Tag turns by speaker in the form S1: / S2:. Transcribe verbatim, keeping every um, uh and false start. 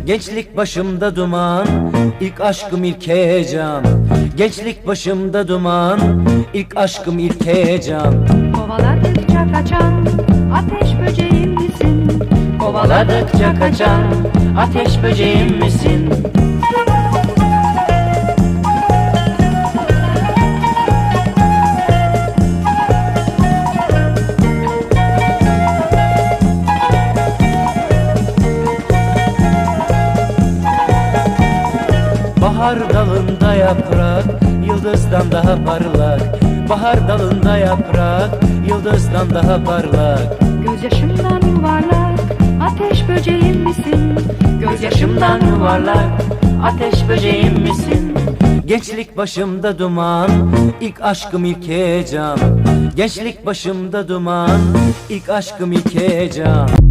S1: Gençlik başımda duman, ilk aşkım ilk heyecan. Gençlik başımda duman, ilk aşkım ilk heyecan.
S2: Kovaladıkça kaçan ateş böceğim misin?
S1: Kovaladıkça kaçan ateş böceğim misin? Bahar dalında yaprak, yıldızdan daha parlak. Bahar dalında yaprak, yıldızdan daha parlak.
S2: Gözyaşımdan yuvarlak ateş böceğim misin?
S1: Gözyaşımdan yuvarlak, ateş böceğim misin? Gençlik başımda duman, ilk aşkım ilk heyecan. Gençlik başımda duman, ilk aşkım ilk heyecan.